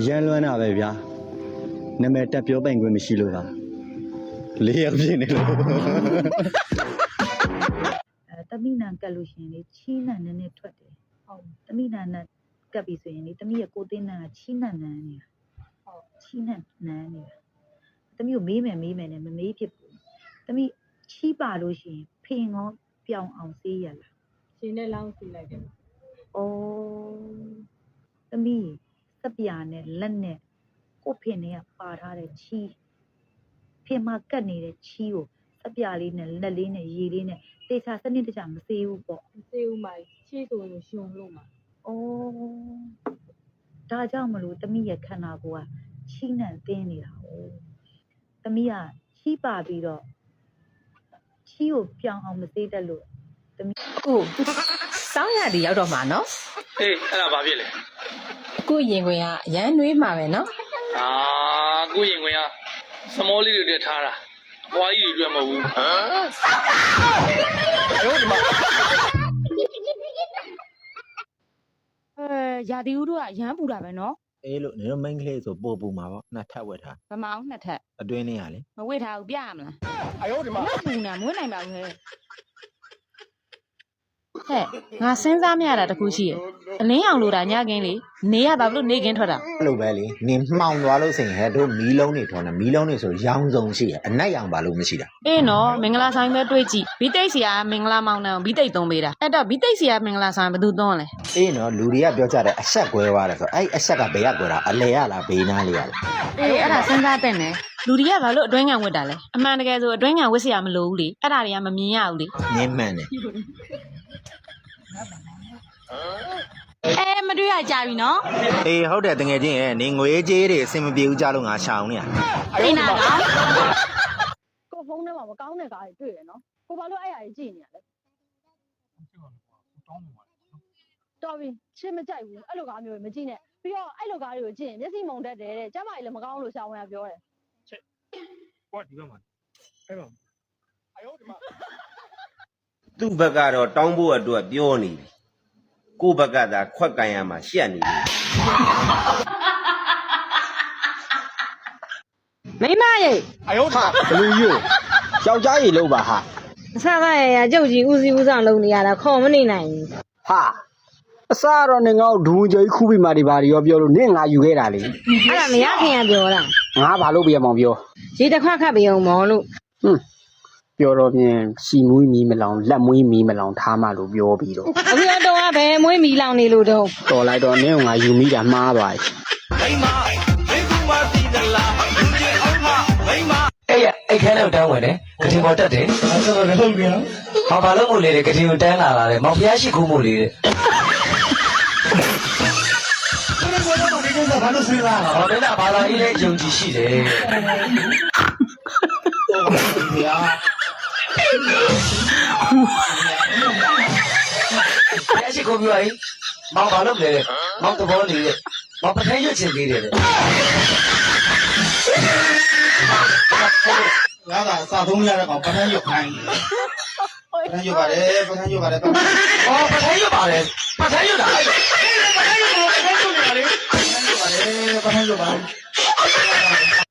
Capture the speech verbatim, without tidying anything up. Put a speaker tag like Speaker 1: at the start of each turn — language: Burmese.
Speaker 1: ရန်လွမ်းတာပဲဗျာနာမည်တက်ပြောပိုင်ခွင့်မရှိလို့ပါလေးယောက်ဖြစ်နေလို့
Speaker 2: အဲတမိနံကတ်လို့ရှိရင်လေချီးနံနည်းနည်းထွက်တယ်ဟုတ်တမိနံနဲ့ကတ်ပြီဆိုရင်လေတမိရဲ့ကိုတင်းနံကချီးနံနန်းနေတာဟုတ်ချီးနံနန်းနေတာတမိကိုမေးမယ်မေးမယ်နဲ့မမေးဖြစ်ဘူးတမိချီးပါလို့ရှိရင်ဖင်ကောပြောင်းအောင်စေးရလား
Speaker 3: ရှင်နဲ့လောင်းစီလိုက်တယ်
Speaker 2: ဩတမိစပြာနဲ့လက်နဲ့ကိုဖင်တွေကပါထားတဲ့ချီးဖင်မှာကတ်နေတဲ့ချီးကိုစပြာလေးနဲ့လက်လေးနဲ့ရေလေးနဲ့တေချာစနစ်တကျမစေးဘူးပေါ့
Speaker 3: မစေးဘူးမချီဆိုရင်ရှင်လို့မှာ
Speaker 2: ဩဒါကြောင့်မလို့တမိရဲ့ခန္ဓာကိုယ်ကချီးနှံတင်းနေတာ哦တမိကချီးပါပြီးတော့ချီးကိုပြောင်းအောင်မသေးတတ်လို့တမိ
Speaker 4: ကိုစောင်းရည်ရောက်တော့မှာနော်
Speaker 5: အေးအဲ့ဒါဘာဖြစ်လဲ
Speaker 4: ကိုရင်ခွင်ကရမ်းနှွေးမှာပဲနော်
Speaker 5: အာကိုရင်ခွင်ကစမောလေးတွေတက်ထားတာဘွားကြီးတွေအတွက်မဟုတ်ဘူးဟမ်အဲ့ဒီမှာ
Speaker 3: အဲရာသီဥတုကရမ်းပူတာပဲနော်
Speaker 6: အေးလို့နေတော့ main ကလေးဆိုပို့ပူမှာပေါ့နှစ်ထပ်ဝက်ထား
Speaker 3: ဗမောင်းနှစ်ထပ်
Speaker 6: အတွင်းလေးရလေ
Speaker 3: မဝစ်ထားဘူးပြရမလား
Speaker 5: အယောဒီမှာ
Speaker 3: ပူနေမွေးနိုင်ပါဘူးဟဲ့
Speaker 4: ဟဲ့ငါစဉ်းစားမရတာတခုရှိရယ်အလင်းအောင်လို့တာညကင်းလေနေရပါဘလို့နေကင်းထွက်တာ
Speaker 6: အဲ့လိုပဲလေနေမှောင်သွားလို့ဆိုရင်ဟဲ့တို့မီးလုံးတွေထွန်းတယ်မီးလုံးတွေဆိုရောင်စုံရှိရအနက်ရောင်ပါလို့မရှိတာ
Speaker 4: အေးနော်မင်္ဂလာဆိုင်ပဲတွေးကြည့်ဘီတိတ်စီကမင်္ဂလာမောင်နှံဘီတိတ်သုံးပေးတာအဲ့တော့ဘီတိတ်စီကမင်္ဂလာဆိုင်ဘယ်သူသုံးလဲ
Speaker 6: အေးနော်လူတွေကပြောကြတယ်အဆက်ကွဲသွားတယ်ဆိုအဲ့အဆက်ကဘယ်ကကွဲတာအလဲရလားဘေးနားလေးရလား
Speaker 4: အေးအဲ့ဒါစဉ်းစားတဲ့နဲ့လူတွေကဘာလို့အတွင်းငံဝတ်တာလဲအမှန်တကယ်ဆိုအတွင်းငံဝတ်စရာမလိုဘူးလေအဲ့ဒါတွေကမမြင်ရဘူးလေ
Speaker 6: မြင်မှန်တယ်
Speaker 3: အဲမတွေ့ရကြပြီနော်
Speaker 6: အေးဟုတ်တယ်တကယ်ချင်းရဲ့နေငွေကြေးတွေအဆင်မပြေဘူးကြလို့ငါရှောင်နေရ
Speaker 3: အိနာကကိုဖုန်းထဲမှာမကောင်းတဲ့ကားတွေတွေ့ရနော်ကိုဘာလို့အဲ့အရာကြီးကြည့်နေရလဲတော်ပြီရှင်းမကြိုက်ဘူးအဲ့လိုကားမျိုးမကြည့်နဲ့ပြီးတော့အဲ့လိုကားတွေကိုကြည့်ရင်မျက်စိမုံတတ်တယ်တဲ့ကျမကြီးလည်းမကောင်းလို့ရှောင်ရပြောတယ်
Speaker 5: ချက်ဟောဒီဘက်မှာအဲ့မှာအယောဒီမှာ
Speaker 7: သူ့ဘက်ကတော့တောင်းဖို့အတွက်ပြောနေပြီကိုယ့်ဘက်ကသာခွက်ကန်ရမှာရှက်နေပြီ
Speaker 3: မိမရေ
Speaker 1: အယောဟာဘလူးယူယောက်ျားကြီးလို့ပါဟာ
Speaker 3: အဆမရရကြုတ်ကြီးဦးစီးဦးဆောင်လုပ်နေရတာခေါ်မနေနိုင်ဘူး
Speaker 1: ဟာအစားတော့နေငါ့ဒူးကြီးခူးပြီးမှဒီပါရောပြောလို့နင့်ငါယူခဲ့တာလေ
Speaker 3: အဲ့ဒါမရခင်ကပြောတာ
Speaker 1: ငါဘာလို့ပြရမောင်ပြော
Speaker 3: ရေတစ်ခွက်ခတ်ပြီးအောင်မော်လို့
Speaker 1: ဟွန်းပြောတော့မြင်စီမွေးမီးမလောင်လက်မွေးမီးမလောင်ထားမှလို့ပြောပြီးတော့
Speaker 3: အခုတော့ကဘယ်မွေးမီးလောင်နေလို့တော့
Speaker 1: တော်လိုက်တော့နင့်ငါယူမိတာမှားပါ့
Speaker 7: မိမမိကူမသိသလားလူကြီးအောင်မမိမ
Speaker 8: အဲ့ရအဲ့ခဲနဲ့တန်းဝင်တယ်ကတိပေါ်တက်တယ်
Speaker 1: အဲ့တော့လည်းဟုတ်ပြန်
Speaker 8: ဟာဘာလို့မို့လေကတိကိုတန်းလာတာလေမောင်ဖျားရှိခိုးမို့လေတဲ့
Speaker 1: ဘာလို့ဆွေးလာ
Speaker 8: ဟောမင်းကဘာသာရေးလဲယုံကြည်ရှိတယ်
Speaker 1: ဗျာ
Speaker 8: ဖျားရှိခိုးပြီးပါရင်မောင်ဘာလို့လဲမောင်သဘောနေတဲ့မောင်ပထိုင်ရွတ်ချင်သေးတယ်
Speaker 1: ငါကစာသုံးရတဲ့ကောင်ပထမ်းရွတ်ခိုင်းပထမ်းရွတ်ပါတယ်ပထမ်းရွတ်ပါတယ်
Speaker 8: 哦ပထိုင်ရွတ်ပါတယ်ပထိုင်ရွတ်တာအဲ့ပထိုင်ရွတ်ပထိုင်ရွတ်နေပါလေ
Speaker 1: ပထမ်းရွတ်ပါတယ်ပထမ်းရွတ်ပါတယ်